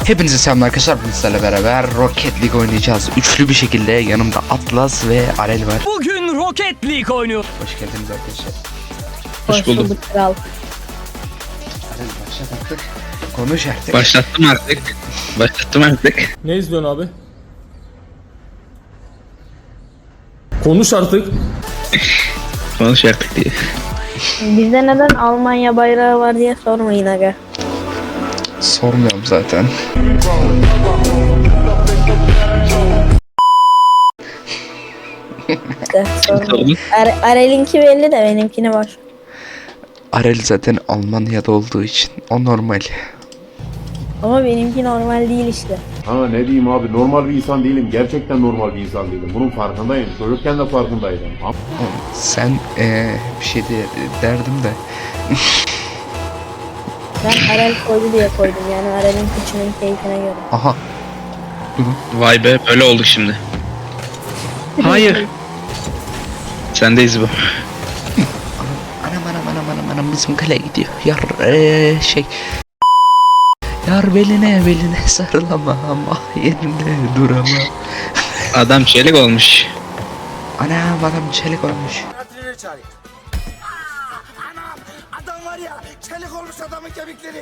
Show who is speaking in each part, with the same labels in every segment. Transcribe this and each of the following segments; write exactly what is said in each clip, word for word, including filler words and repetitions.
Speaker 1: Hepinize selamlar arkadaşlar, bizlerle beraber Rocket League oynayacağız. Üçlü bir şekilde yanımda Atlas ve Arel var.
Speaker 2: Bugün Rocket League oynuyor.
Speaker 1: Hoş geldiniz arkadaşlar.
Speaker 3: Hoş bulduk kral.
Speaker 1: Arel başlat artık. Konuş artık.
Speaker 4: Başlattım artık. Başlattım artık.
Speaker 5: Ne izliyorsun abi? Konuş artık.
Speaker 4: Konuş artık diye.
Speaker 3: Bizde neden Almanya bayrağı var diye sormayın aga.
Speaker 1: Sormuyorum zaten.
Speaker 3: İşte sormayın. Ar Arel'inki belli de benimkini var.
Speaker 1: Arel zaten Almanya'da olduğu için o normal.
Speaker 3: Ama benimki normal değil işte.
Speaker 6: Ha ne diyeyim abi, normal bir insan değilim. Gerçekten normal bir insan değilim. Bunun farkındayım. Çocukken de farkındaydım. Ama
Speaker 1: Sen ee, bir şey de derdim de.
Speaker 3: Ben Arel koydu diye koydum yani Arel'in kıçının keyfine göre.
Speaker 1: Aha.
Speaker 4: Vay be, böyle olduk şimdi. Hayır. Sendeyiz bu.
Speaker 1: Anam anam anam anam anam bizim kale gidiyor. Yar ee, şey. Yar beline beline sarılamam, ah yerinde duramam.
Speaker 4: Adam çelik olmuş.
Speaker 1: Anam adam çelik olmuş.
Speaker 7: Adam var ya, çelik olmuş adamın kemikleri.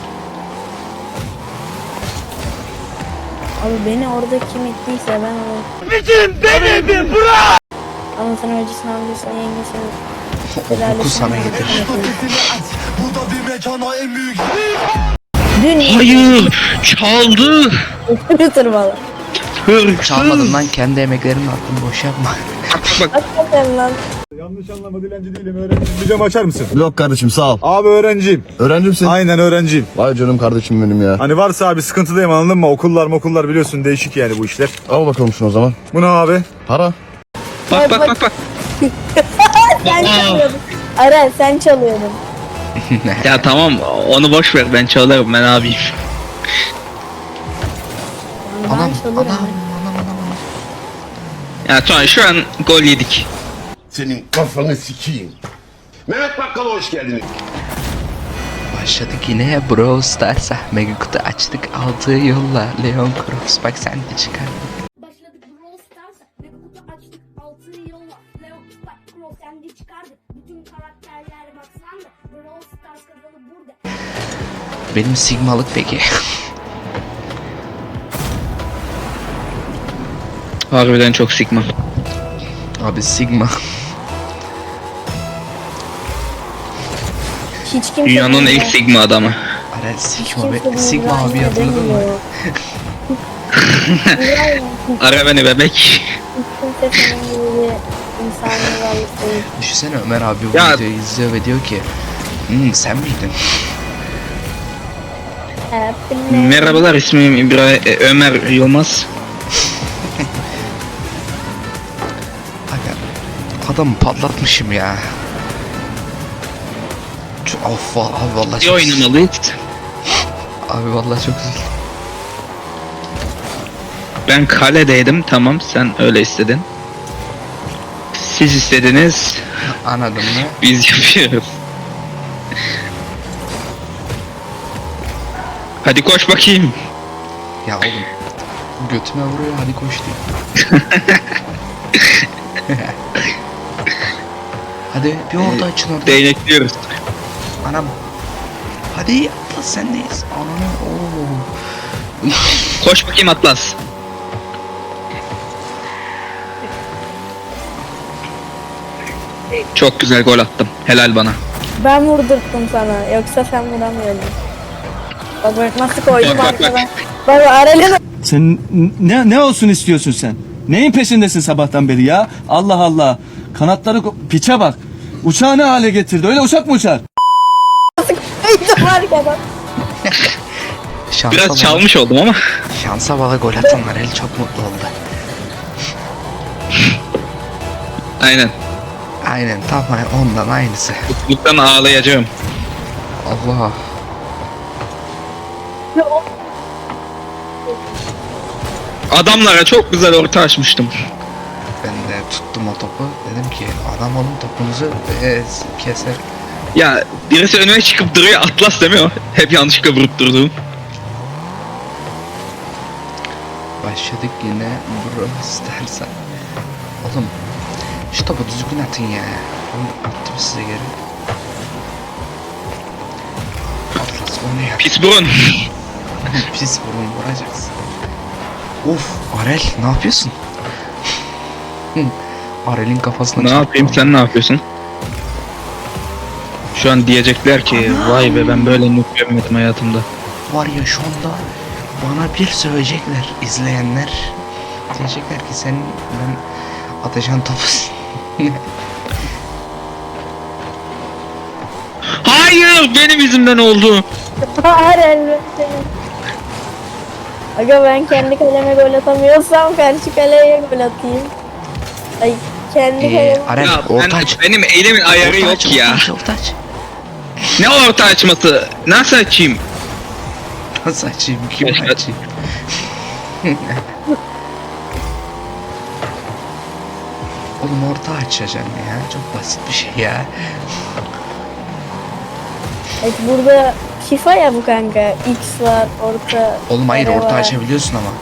Speaker 3: Abi beni orada kim ettiyse ben onu...
Speaker 7: Bizim beni bir bırak!
Speaker 3: Anasını öncesini amcasını yengesini...
Speaker 1: O koku sana getirir.
Speaker 7: Bu da bir mekana en büyük.
Speaker 3: Dün...
Speaker 4: Hayır. Çaldı.
Speaker 3: Tırmalı.
Speaker 4: Hırsız.
Speaker 1: Çalmadın lan, kendi emeklerini attın, boş yapma.
Speaker 4: Bak
Speaker 3: Hakikaten lan.
Speaker 8: Yanlış anlama, dilenci değilim, öğrenciyim. Bir cam açar mısın?
Speaker 9: Yok kardeşim, sağ ol.
Speaker 8: Abi öğrenciyim.
Speaker 9: Öğrencimsin.
Speaker 8: Aynen öğrenciyim.
Speaker 9: Vay canım kardeşim benim ya.
Speaker 8: Hani varsa abi sıkıntıdayım, anladın mı? Okullar okullar biliyorsun, değişik yani bu işler.
Speaker 9: Al bakalım şunu o zaman.
Speaker 8: Bu ne abi?
Speaker 9: Para.
Speaker 4: bak bak bak. bak.
Speaker 3: Sen çalıyordun. Arel sen çalıyordun.
Speaker 4: Ya tamam, onu boş ver, ben çalarım, ben abiyim.
Speaker 3: Ben
Speaker 1: Anam
Speaker 3: çalırım.
Speaker 1: anam anam anam.
Speaker 4: Ya tamam, şu an gol yedik.
Speaker 10: Senin kafanı sikeyim. Mehmet Bakkal'a hoş geldiniz.
Speaker 1: Başladık yine Brawl Stars'a. Mega kutu açtık, aldığı yolla Leon Cross, bak sen de çıkardın.
Speaker 11: Başladık Brawl Stars'a ve kutu açtık altı yolla Leon Spike Crow kendi çıkardı. Bütün karakterler baksan da Brawl Stars kanalı burada.
Speaker 1: Benim Sigmalık peki.
Speaker 4: Harbiden çok sıkma.
Speaker 1: Abi Sigma.
Speaker 3: Hiç kimse
Speaker 4: Dünyanın
Speaker 3: bilmiyor.
Speaker 4: ilk sigma adamı.
Speaker 1: Arel
Speaker 3: Hiç
Speaker 1: Sigma
Speaker 3: kimse
Speaker 1: be, Sigma
Speaker 3: bilmiyor,
Speaker 1: abi hatırladın mı?
Speaker 3: bilmiyor.
Speaker 4: Ara beni bebek.
Speaker 3: Hiç kimse senin gibi bir insani varlık değil.
Speaker 1: Düşünsene, Ömer abi bu
Speaker 4: Ya-
Speaker 1: videoyu izliyor ve diyor ki hmm, sen miydin?
Speaker 3: Happiness.
Speaker 4: Merhabalar, ismim İbrahim e, Ömer Yılmaz.
Speaker 1: Aga, adamı patlatmışım ya. Ç- Of abi vallahi
Speaker 4: İyi
Speaker 1: çok
Speaker 4: oynamalıyız.
Speaker 1: Abi vallahi çok üzüldüm.
Speaker 4: Ben kaledeydim, tamam, sen öyle istedin. Siz istediniz,
Speaker 1: Anladın mı?
Speaker 4: biz yapıyoruz. Hadi koş bakayım.
Speaker 1: Ya oğlum, götüme vuruyor, hadi koş diyor. Hadi bir orada açın orada.
Speaker 4: Değnekliyoruz.
Speaker 1: Anam. Hadi Atlas sendeyiz. Ananı ooo.
Speaker 4: Koş bakayım Atlas. Çok güzel gol attım. Helal bana.
Speaker 3: Ben vurdurttum sana. Yoksa sen vuramıyordun. Bak bak nasıl koydum
Speaker 4: Bak, bak,
Speaker 3: arkadan. Bak Arel'in...
Speaker 5: Sen ne ne olsun istiyorsun sen? Neyin peşindesin sabahtan beri ya? Allah Allah. Kanatları ko- piçe bak. Uçağı ne hale getirdi? Öyle uçak mı uçar?
Speaker 3: koydum arkadan.
Speaker 1: Şansa
Speaker 4: Biraz
Speaker 1: bala-
Speaker 4: çalmış oldum ama.
Speaker 1: Şansa bala gol atanlar el çok mutlu oldu.
Speaker 4: Aynen.
Speaker 1: Aynen tam ondan aynısı.
Speaker 4: Mutluluktan ağlayacağım.
Speaker 1: Allah.
Speaker 4: Adamlara çok güzel orta açmıştım.
Speaker 1: Ben de tuttum o topu. Dedim ki adam onun topunuzu e, keser.
Speaker 4: Ya birisi önüme çıkıp duruyor, Atlas demiyor. Hep yanlışlıkla vurup durduğum.
Speaker 1: başladık yine. Bro istersen. Oğlum şu topu düzgün atın ya. Oğlum attım size geri. Atlas onu yap.
Speaker 4: Pis burun.
Speaker 1: Pis vurun vuracaksın. Of Arel ne yapıyorsun? Arel'in kafasına
Speaker 4: Ne
Speaker 1: çarptı
Speaker 4: yapayım
Speaker 1: ama.
Speaker 4: sen ne yapıyorsun? Şu an diyecekler ki vay be ben böyle noob görmedim hayatımda.
Speaker 1: Var ya şu anda bana bir söyleyecekler izleyenler. Diyecekler ki sen ben atacağın topusun.
Speaker 4: Hayır benim yüzümden oldu.
Speaker 3: Arel senin. Aga ben kendi kaleme gol atamıyorsam karşı kaleye gol atayım. Ay kendi
Speaker 1: Ee,
Speaker 3: kaleme.
Speaker 1: Arel
Speaker 4: Ya ben-
Speaker 1: orta aç.
Speaker 4: benim elimin ayarı
Speaker 1: Orta
Speaker 4: yok
Speaker 1: aç,
Speaker 4: ya.
Speaker 1: Orta aç, orta aç.
Speaker 4: Ne orta açması? Nasıl açayım?
Speaker 1: Nasıl açayım? Kim
Speaker 4: Keşke-
Speaker 1: açayım? Oğlum orta açacaksın ya. Çok basit bir şey ya.
Speaker 3: Evet, burada FIFA ya bu kanka. X var, orta.
Speaker 1: Oğlum hayır
Speaker 3: kare
Speaker 1: orta
Speaker 3: var.
Speaker 1: açabiliyorsun ama.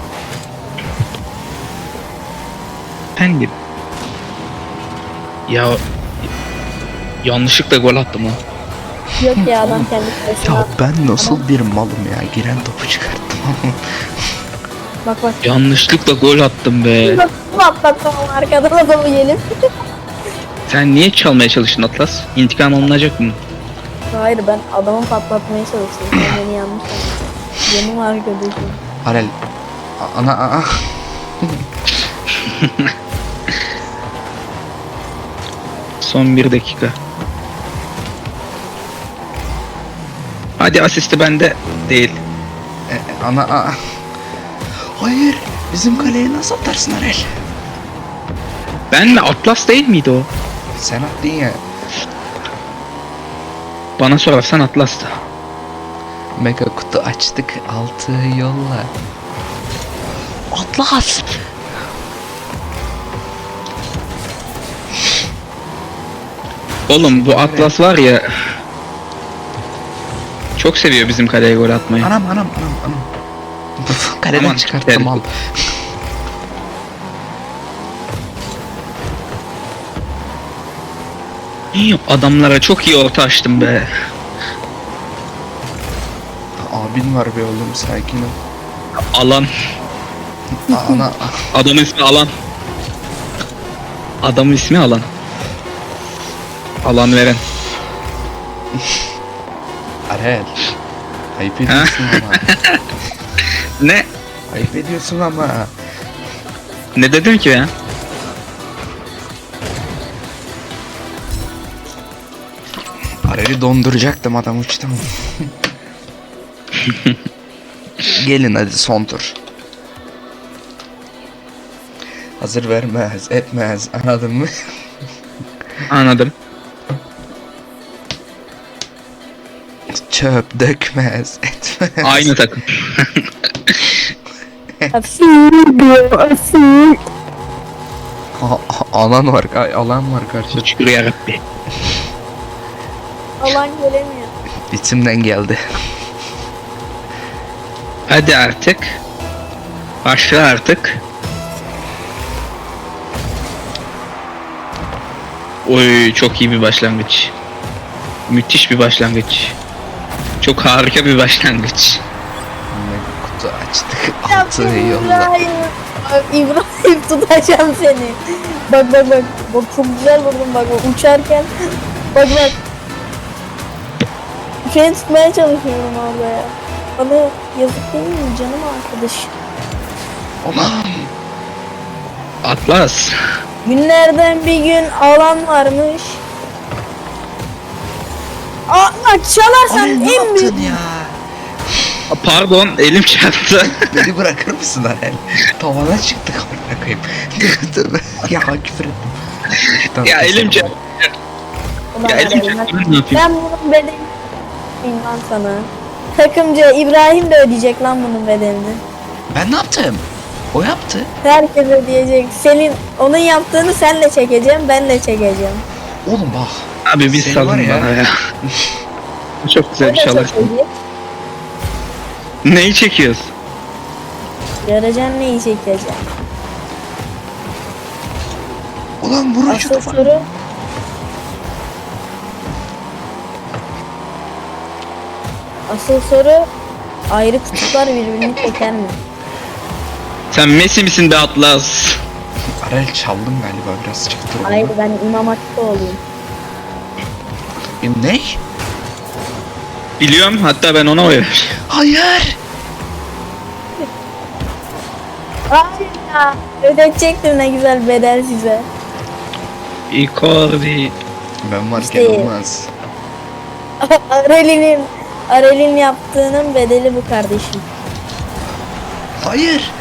Speaker 4: Efendim. Ya yanlışlıkla gol attım ha.
Speaker 3: Yok ya adam kendi kalesine
Speaker 1: Ya
Speaker 3: attı.
Speaker 1: ben nasıl bir malım ya. Giren topu çıkarttım.
Speaker 3: Bak bak.
Speaker 4: Yanlışlıkla gol attım be.
Speaker 3: Nasıl atlattım arkadan adamı gelip.
Speaker 4: Sen niye çalmaya çalıştın Atlas? İntikam alınacak mı?
Speaker 3: Hayır ben adamı patlatmaya çalıştım. Sen beni yanlış anladın. Benim arkadaşım.
Speaker 1: Arel. a- Ana a- a-
Speaker 4: Son bir dakika. Hadi asisti bende değil.
Speaker 1: e, e, ana a- Hayır. Bizim kaleye nasıl atarsın Arel?
Speaker 4: Ben mi? Atlas değil miydi o?
Speaker 1: Sen attın ya.
Speaker 4: Bana sorarsan Atlas'tı.
Speaker 1: Mega kutu açtık. Altı yolla. Atlas.
Speaker 4: Oğlum bu Atlas var ya. Çok seviyor bizim kaleye gol atmayı.
Speaker 1: Anam anam anam anam. Kaleden
Speaker 4: Aman,
Speaker 1: çıkarttım
Speaker 4: gel.
Speaker 1: al.
Speaker 4: İyi, adamlara çok iyi orta açtım be.
Speaker 1: Abin var be oğlum sakin ol.
Speaker 4: Alan.
Speaker 1: A- Ana
Speaker 4: Adamın ismi Alan. Adamın ismi Alan. Alan veren.
Speaker 1: Arel. Ayıp ediyorsun ama.
Speaker 4: Ne?
Speaker 1: Ayıp ediyorsun ama.
Speaker 4: Ne dedim ki ya?
Speaker 1: Arel'i donduracaktım adam uçtu mu? Gelin hadi son tur. Hazır vermez etmez anladın mı?
Speaker 4: Anladım.
Speaker 1: Çöp dökmez etmez.
Speaker 4: Aynı takım.
Speaker 3: Asil diyor asil.
Speaker 1: A- a- alan var ay, alan var karşıda.
Speaker 4: Şükür yarabbi.
Speaker 3: Alan gelemiyor.
Speaker 1: İçimden geldi.
Speaker 4: Hadi artık. Başla artık. Oy çok iyi bir başlangıç. Müthiş bir başlangıç. Çok harika bir başlangıç.
Speaker 1: Mega kutu açtık altı
Speaker 3: Yaptım
Speaker 1: yolla.
Speaker 3: İbrahim. Bak, İbrahim tutacağım seni. Bak bak bak. Bak çok güzel vurdum bak, bak uçarken. Bak bak. Seni tutmaya çalışıyorum abla ya. Bana yazık değil mi canım arkadaş?
Speaker 1: Ulan
Speaker 4: Atlas.
Speaker 3: Günlerden bir gün alan varmış. Aa bak çalarsan
Speaker 1: Arel ne
Speaker 3: en büyük.
Speaker 1: yaptın ya?
Speaker 4: Pardon elim çarptı.
Speaker 1: Beni bırakır mısın Arel? Tavana çıktık amına koyayım. Tövbe. Ya küfür ettim. Tamam,
Speaker 4: ya elim
Speaker 1: keselim.
Speaker 4: çarptı.
Speaker 3: Ulan
Speaker 4: Ya elim
Speaker 3: Arel, bak,
Speaker 4: çarptı. Ne yapayım?
Speaker 3: ben bunun bedelini bilmem sana. Takımcı İbrahim de ödeyecek lan bunun bedelini.
Speaker 1: Ben ne yaptım? O yaptı.
Speaker 3: Herkes ödeyecek. Senin onun yaptığını sen de çekeceğim, ben de çekeceğim.
Speaker 1: Oğlum bak.
Speaker 4: Abi biz
Speaker 1: Seni var
Speaker 4: salın
Speaker 1: ya.
Speaker 4: bana ya. Çok
Speaker 3: O
Speaker 4: güzel
Speaker 3: da
Speaker 4: bir şey alır.
Speaker 3: çekecek.
Speaker 4: Neyi çekiyoruz?
Speaker 3: Göreceksin neyi çekeceğim.
Speaker 1: Ulan vurun şu
Speaker 3: Asıl
Speaker 1: topa.
Speaker 3: soru. Asıl soru ayrı kutuplar birbirini çeker mi?
Speaker 4: Sen Messi misin be Atlas?
Speaker 1: Arel çaldım galiba biraz çıktı.
Speaker 3: Hayır ben İmam Hatip'te olayım.
Speaker 1: Ne?
Speaker 4: Biliyorum, hatta ben ona oy ver.
Speaker 1: Hayır.
Speaker 3: Hayır ya. Ödetecektim ne güzel bedel size.
Speaker 4: Icardi.
Speaker 1: Ben varken
Speaker 3: İşte-
Speaker 1: olmaz.
Speaker 3: Arel'in Arel'in yaptığının bedeli bu kardeşim.
Speaker 1: Hayır.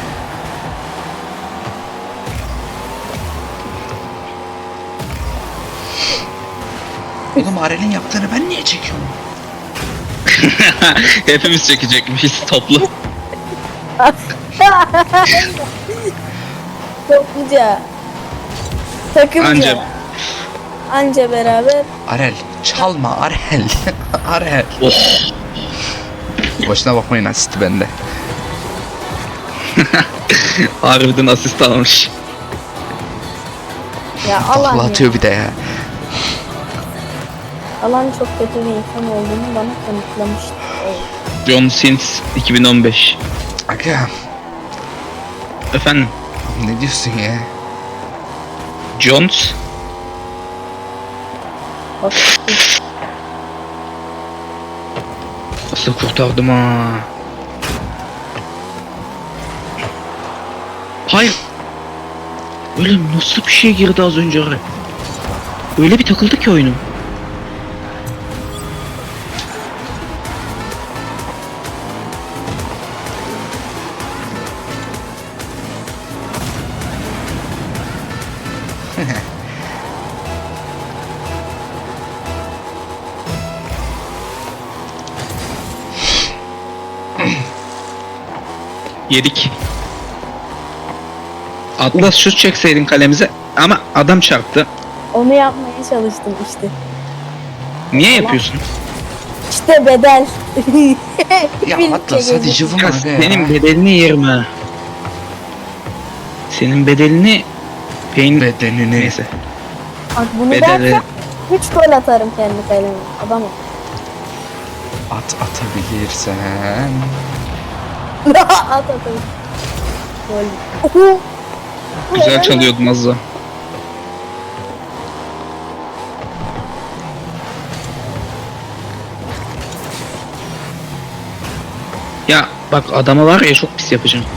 Speaker 1: Oğlum Arel'in yaptığını ben niye çekiyorum?
Speaker 4: Hepimiz çekecekmişiz toplu.
Speaker 3: Topluca. Takımca.
Speaker 4: Anca.
Speaker 3: Anca beraber.
Speaker 1: Arel çalma Arel. Arel.
Speaker 4: Oh.
Speaker 1: Boşuna bakmayın asisti bende.
Speaker 4: Harbiden asist almış.
Speaker 3: Ya
Speaker 1: Takla
Speaker 3: Alan ya.
Speaker 1: atıyor bir de ya.
Speaker 3: Alan çok kötü bir insan olduğunu bana kanıtlamıştı. Evet.
Speaker 4: John Sins iki bin on beş.
Speaker 1: Aga
Speaker 4: Efendim?
Speaker 1: ne diyorsun ya?
Speaker 4: Jones?
Speaker 3: Bak,
Speaker 4: Nasıl kurtardım ha? Hayır. Öyle nasıl bir şey girdi az önce oraya? Öyle bir takıldı ki oyunum. Yedik. Atlas şut çekseydin kalemize ama adam çarptı.
Speaker 3: onu yapmaya çalıştım işte.
Speaker 4: Niye yapıyorsun?
Speaker 3: İşte bedel.
Speaker 1: Ya
Speaker 3: Birlikte
Speaker 1: Atlas hadi
Speaker 3: geldik.
Speaker 1: cıvıma
Speaker 4: Ya
Speaker 1: aga ya.
Speaker 4: senin bedelini yerim ha. Senin bedelini peyn
Speaker 1: bedenini.
Speaker 4: neyse.
Speaker 3: Bak bunu
Speaker 4: Bedeli
Speaker 3: dersem üç gol atarım kendi kaleme. Adamım.
Speaker 1: At atabilirsen.
Speaker 3: At atarım. Gol.
Speaker 4: güzel çalıyordun az daha. Ya bak adama var ya çok pis yapacağım.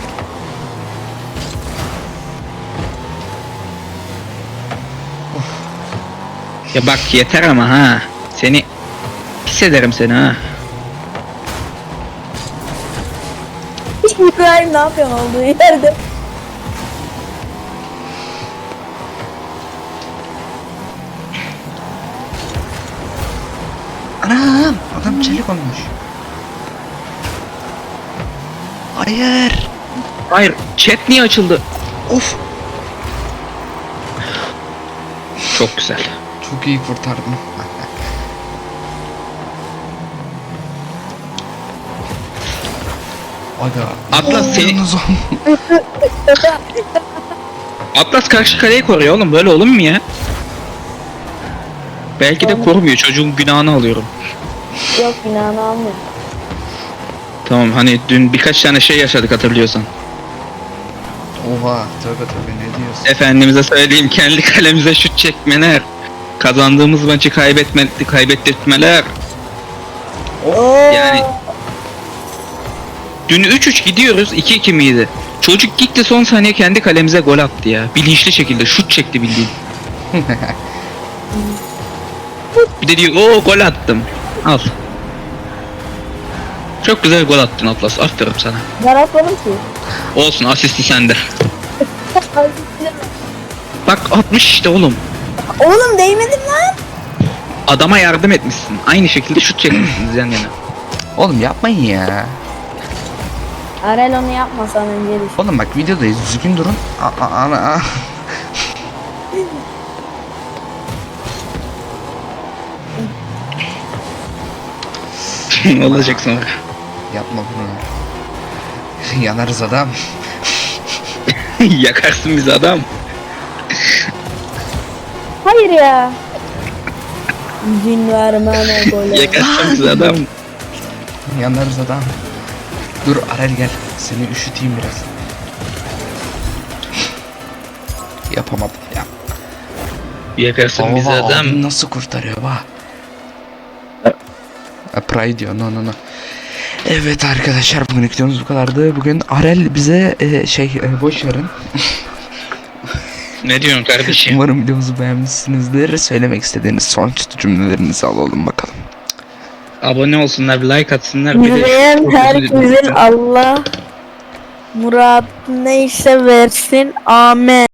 Speaker 4: Ya bak yeter ama ha. Seni pis ederim seni ha.
Speaker 3: İbrahim ne yapıyorsun olduğu yerde?
Speaker 1: Anam adam çelik olmuş. Hayır.
Speaker 4: Hayır, chat niye açıldı?
Speaker 1: Of.
Speaker 4: Çok güzel.
Speaker 1: Çok iyi kurtardım. Aga.
Speaker 4: Atlas
Speaker 1: Oo,
Speaker 4: seni-
Speaker 1: yalnız o-
Speaker 4: Atlas karşı kaleyi koruyor oğlum, böyle olur mu ya? Belki de korumuyor, çocuğun günahını alıyorum.
Speaker 3: Yok günahını almıyor.
Speaker 4: Tamam, hani dün birkaç tane şey yaşadık hatırlıyorsan.
Speaker 1: Oha tövbe tövbe ne diyorsun?
Speaker 4: Efendimize söyleyeyim, kendi kalemize şut çekmeler. Kazandığımız maçı kaybetme, kaybettirtmeler.
Speaker 3: Oo.
Speaker 4: Yani dün üç üç gidiyoruz, iki iki miydi? Çocuk gitti son saniye kendi kalemize gol attı ya. Bilinçli şekilde şut çekti bildiğin. Bir de diyor o gol attım. Al. Çok güzel gol attın Atlas. Aferin sana.
Speaker 3: Ben atmadım ki.
Speaker 4: Olsun, asisti sende. Bak atmış işte oğlum.
Speaker 3: Oğlum değmedim lan.
Speaker 4: Adama yardım etmişsin. Aynı şekilde şut çekmişsiniz yan yana.
Speaker 1: Oğlum yapmayın ya.
Speaker 3: Arel onu yapmasan önce düşün.
Speaker 1: Oğlum bak videodayız düzgün durun. A- a- ana a-
Speaker 4: Olacak sonra.
Speaker 1: Yapma bunu. Yanarız adam.
Speaker 4: Yakarsın bizi adam.
Speaker 3: Hayır ya. İzin vermene gole.
Speaker 4: Yakarsın bizi adam.
Speaker 1: Yanarız adam. Dur Arel gel. Seni üşüteyim biraz. Yapamadım ya.
Speaker 4: Yakarsın bizi
Speaker 1: Baba,
Speaker 4: adam.
Speaker 1: abim nasıl kurtarıyor bak. Ha, Pride diyor, no no no. Evet arkadaşlar, bugün videomuz bu kadardı. Bugün Arel bize e, şey e, boş verin.
Speaker 4: Ne diyorsun kardeşim?
Speaker 1: Umarım videomuzu beğenmişsinizdir. Söylemek istediğiniz son cümlelerinizi alalım bakalım.
Speaker 4: Abone olsunlar, bir like atsınlar. Bir de
Speaker 3: İzleyen herkesin Allah murat neyse versin. Amen.